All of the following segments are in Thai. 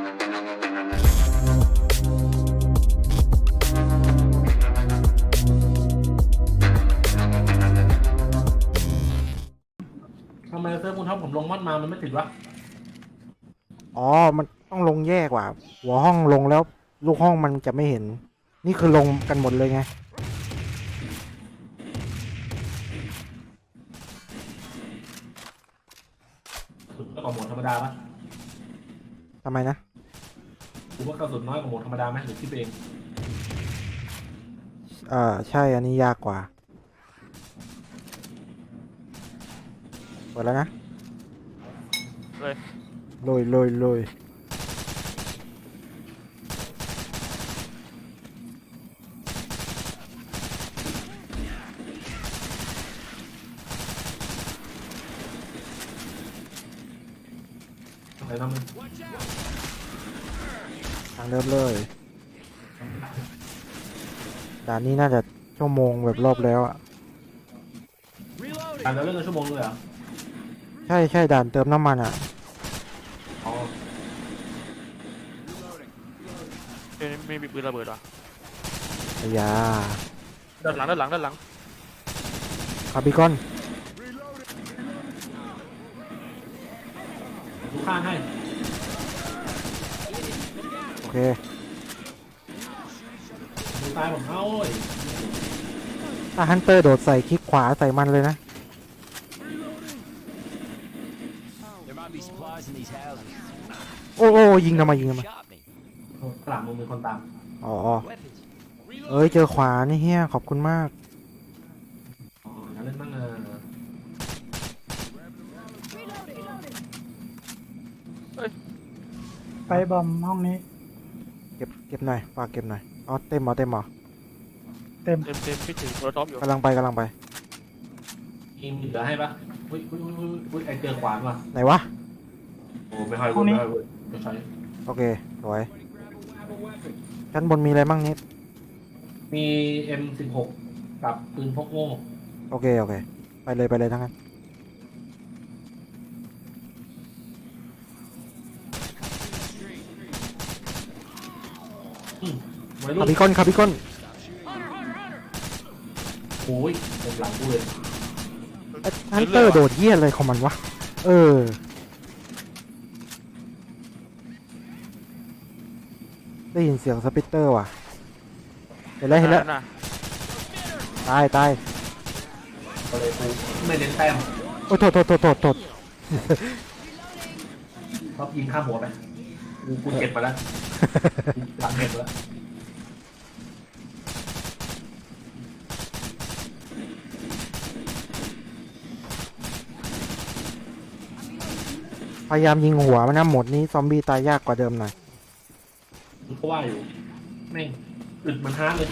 ทำไมเซิร์ฟคุณท็อปผมลงมอดมามันไม่ติดวะอ๋อมันต้องลงแยกว่ะหัวห้องลงแล้วลูกห้องมันจะไม่เห็นนี่คือลงกันหมดเลยไงสุดกว่าโหมดธรรมดาปะทำไมนะผมว่ากระสุนน้อยกว่าโหมดธรรมดาไหมหรือคิดเองใช่อันนี้ยากกว่าเปิดแล้วนะเลยลุยอะไรน้ำมันทางเดิมเลยด่านนี้น่าจะชั่วโมงแบบรอบแล้วอ่ะอ่านแล้วเรื่องกันชั่วโมงเลยเหรอใช่ด่านเติมน้ำมันอ่ะอ๋อไม่มีปืนระเบิดวะอย่าด้านหลังคาร์บิคอนดูข้างให้โอเคดูตายผมเอาเว้ยถ้าฮันเตอร์โดดใส่คลิกขวาใส่มันเลยนะโอ้ยิงทำไมหลังมึงมีคนตามอ๋อเอ้ยเจอขวานี่เฮียขอบคุณมากอ๋องั้นเล่นบ้างไปบอมห้องนี้เก็บหน่อยฝากเก็บหน่อยอ๋อเต็มเหรอเต็มพี่ถือโทรท็อปอยู่กำลังไปมีเหลือให้ปะอุ้ยไอเจอขวานว่ะไหนวะโอ้ไม่ค่อยรู้ไม่ใช่โอเคสวยชั้นบนมีอะไรบ้างนิดมี M16 กับปืนพกโง่โอเคไปเลยทั้งนั้นคาร์บิคอนโอ้ยผมหลังกูเลยฮันเตอร์โดดเยี่ยอะไรของมันวะได้ยินเสียงสปิตเตอร์ว่ะเห็นแล้วตายก็เลยกูไม่เน้นแต้มโอ้โทษชอบยิงข้ามหัวไปกูเจ็บมาแล้วหลังเจ็บแล้วพยายามยิงหัวมันนะหมดนี้ซอมบี้ตายยากกว่าเดิมหน่อยเพราะว่าอยู่แม่งอึดมันฮาร์ดเลย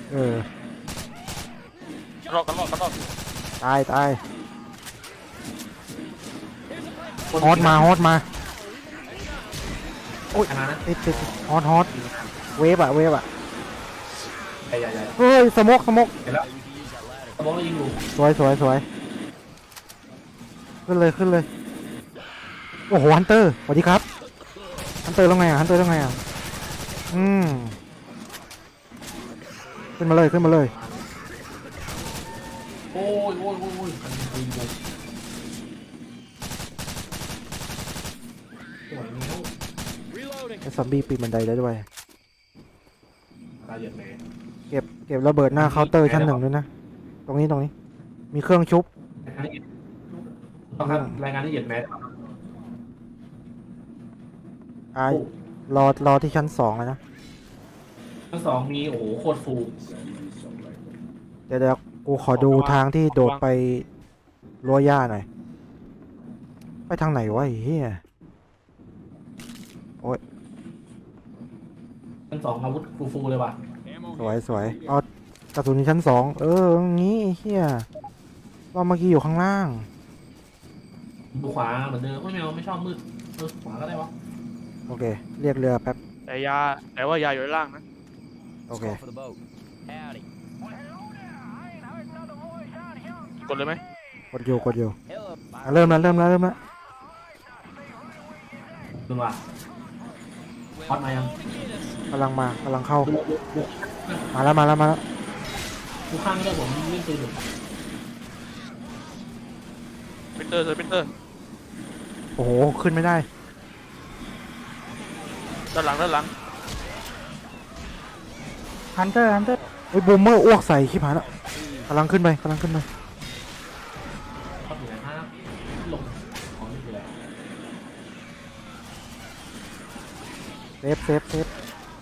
รอตายฮอตมาโอ้ยติดฮอตเวฟอะใหญ่เฮ้ยสมกเห็นแล้วสมองเรายิงอยู่สวยขึ้นเลยโอ้โหฮันเตอร์สวัสดีครับฮันเตอร์แล้วไงขึ้นมาเลยโอ้ยไอ้ซอมบี้ปีนบันไดได้ด้วยตายเหยียดแม่เก็บระเบิดหน้าเคาน์เตอร์ชั้น 1ด้วยนะตรงนี้มีเครื่องชุบต้องรายงานที่เหยียดแม่รอที่ชั้น 2เลยนะชั้น 2มีโอ้โหโคตรฟูเดี๋ยวกูขอดูทางที่โดดไปรั้วหญ้าหน่อยไปทางไหนวะไอ้เหี้ยโอ้ยชั้น 2อาวุธฟูเลยว่ะสวยเอากระสุนชั้น 2งี้ไอ้เหี้ยว่าเมื่อกี้อยู่ข้างล่างดูขวาเหมือนเดิมไม่ชอบมืดขวาก็ได้วะโอเคเรียกเรือแป๊บแต่ว่ายาอยู่ด้านล่างนะโอเคกดเลยไหมกดอยู่เริ่มแล้วดูว่ะพอดมายังกำลังเข้าดูมาแล้วดูข้างไม่ได้ผมเล่นปืนอยู่ปิเตอร์เลยปิเตอร์โอ้โหขึ้นไม่ได้ด้านหลังด้านหลังฮันเตอร์เฮ้ยบูมเมอร์อ้วกใส่ขี้ผาแล้วกำลังขึ้นไปพอดอยู่ไหนฮะลงของนี่คืออะไรเซฟ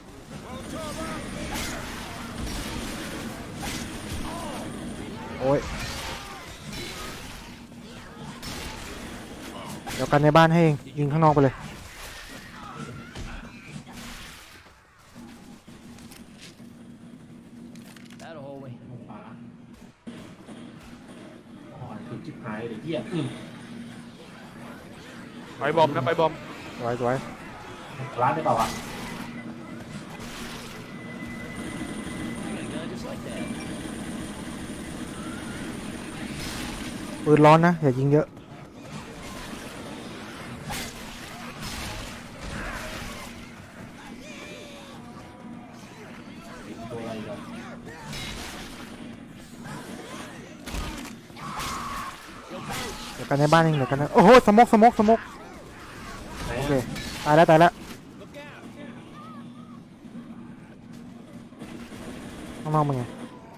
โอ้ยเดี๋ยวกันในบ้านให้เองยิงข้างนอกไปเลยขวาอ๋อคือจิ๊บหายเลยเหี้ยไปบอมนะไปบอมสวยร้านได้เปล่าวะปืนร้อนนะอย่ายิงเยอะตัวอะไรกันเดี๋ยวกันในบ้านเองเดี๋ยวกันนะโอ้โหสมกไหนโอเคตายแล้วข้างนอกมันไง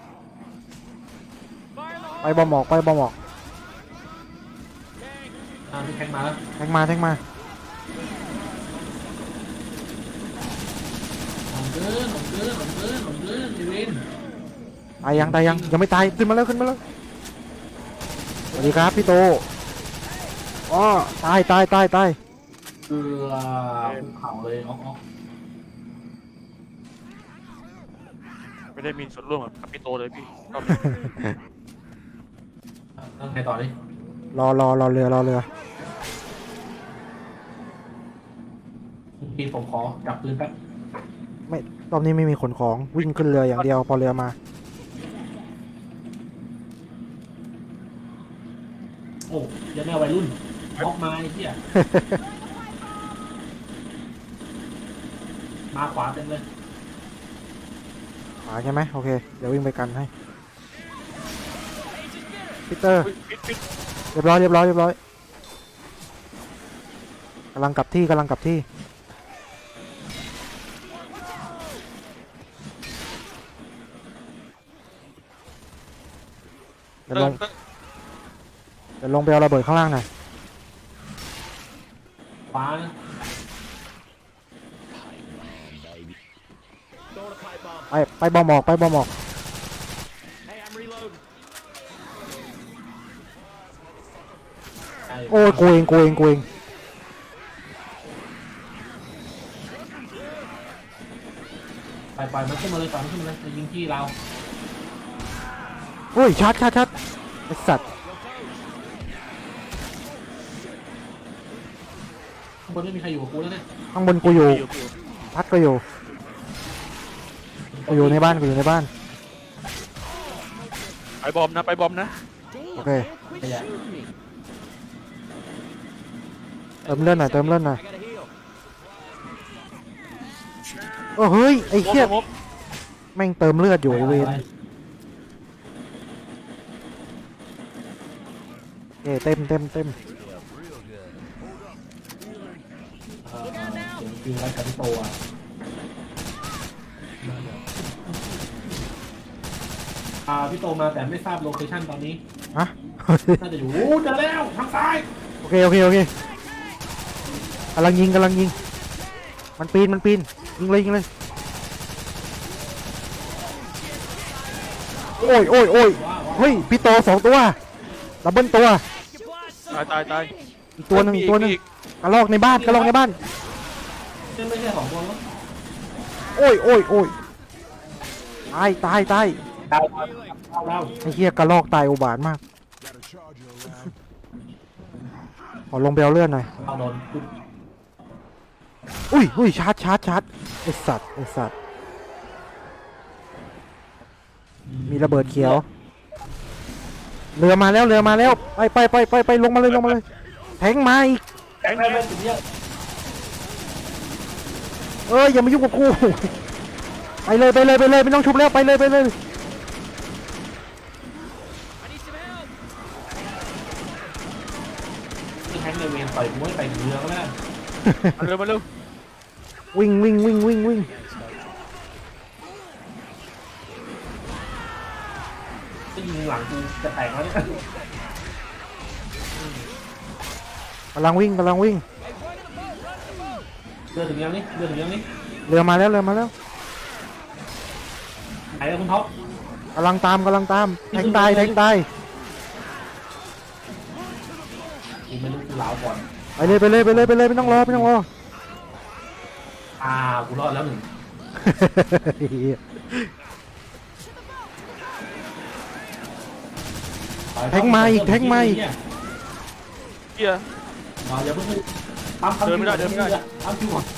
ไปบอมออกพี่แทงมาแล้วแทงมาผมเกินอีเวนตายยังไม่ตายขึ้นมาแล้วสวัสดีครับพี่โตอ๋อตายเกลือภูเขาเลยอ๋อไม่ได้มีส่วนร่วมกับปิโตเลยพี่ก็ตั้งใครต่อดิรอเรือพี่ผมขอจับปืนแป๊บไม่รอบนี้ไม่มีขนของวิ่งขึ้นเรืออย่างเดียวพอเรือมาโอ้ยังแม่วัยรุ่นออกมาไอ้เหี้ยมาขวาเต็มเลยขวาใช่ไหมโอเคเดี๋ยววิ่งไปกันให้พีเตอร์ปิดเรียบร้อยกำลังกลับที่เดี๋ยวลงไปเอาระเบิดข้างล่างหน่อยขวานะไปบอมออกโอ้ยกูเองไปมันขึ้นมาเลยจะยิงที่เราโอ้ยชัดไอสัตว์ข้างบนไม่มีใครอยู่กับกูแล้วเนี่ยข้างบนกูอยู่พัดก็อยู่ในบ้านไปบอมนะโอเคขยะเติมเลือดหน่อยโอ้เฮ้ยไอ้เหี้ยแม่งเติมเลือดอยู่ไอ้เวรเต็มคืออะไรกับพี่โตพี่โตมาแต่ไม่ทราบโลเคชั่นตอนนี้ฮะน่าจะอยู่เจอแล้วทางซ้ายโอเคกำลังยิงมันปีนยิงเลยโอ้ยเฮ้ยพี่โต2ตัวดับเบิลตัวตายอีกตัวหนึ่งกระลอกในบ้านไม่ใช่2ตัวแล้วโอ้ยตายดาวไอ้เหี้ยกระลอกตายอุบาทมากขอลงไปเอาเลือดหน่อยเอาโดนอุ้ยชาร์จไอ้สัตว์มีระเบิดเขียวเรือมาแล้วไปลงมาเลยแทงมาอีกแทงได้ไหมถึงเนี้ยเอ้ยอย่ามายุ่งกับกูไปเลยไปเลยไปเลยไม่ต้องชุบแล้วไปเลยไปเลยที่แฮงค์เลยเวนต่อยกูให้ไปเรือก็ไม่ได้มาเร็วมาเร็ววิ่งวิ่งวิ่งวิ่งวิ่งจะยิงหลังกูจะแตกแล้วเนี่ยกำลังวิ่งกำลังวิ่งเรือถึงยังนี่เรือถึงยังนี่เรือมาแล้วเรือมาแล้วไหนแล้วคุณท็อปกำลังตามกำลังตามแทงตายแทงตายกูไม่รู้กูลาวก่อนไปเลยไปเลยไปเลยไปเลยไม่ต้องรอไม่ต้องรอกูรอดแล้วหนึ่งแทงมาอีกแทงมาอีกเกียร์อย่าเพิ่งปั๊มเดินไม่ได้เดินไม่ได้ปั๊มคิวก่อน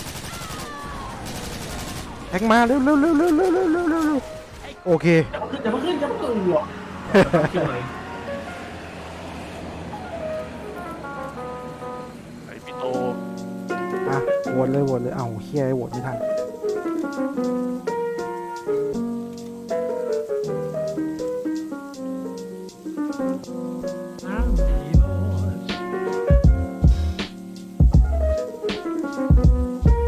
แทงมาเร็วเร็วเร็วเร็วเร็วเร็วเร็วเร็วเร็วโอเคอย่าเพิ่งขึ้นอย่าเพิ่งขึ้นหรอกปั๊มคิวหน่อยไอ้พี่โตอ่ะโหวตเลยโหวตเลยเอ้าเฮียโหวตไม่ทันอ้าวผี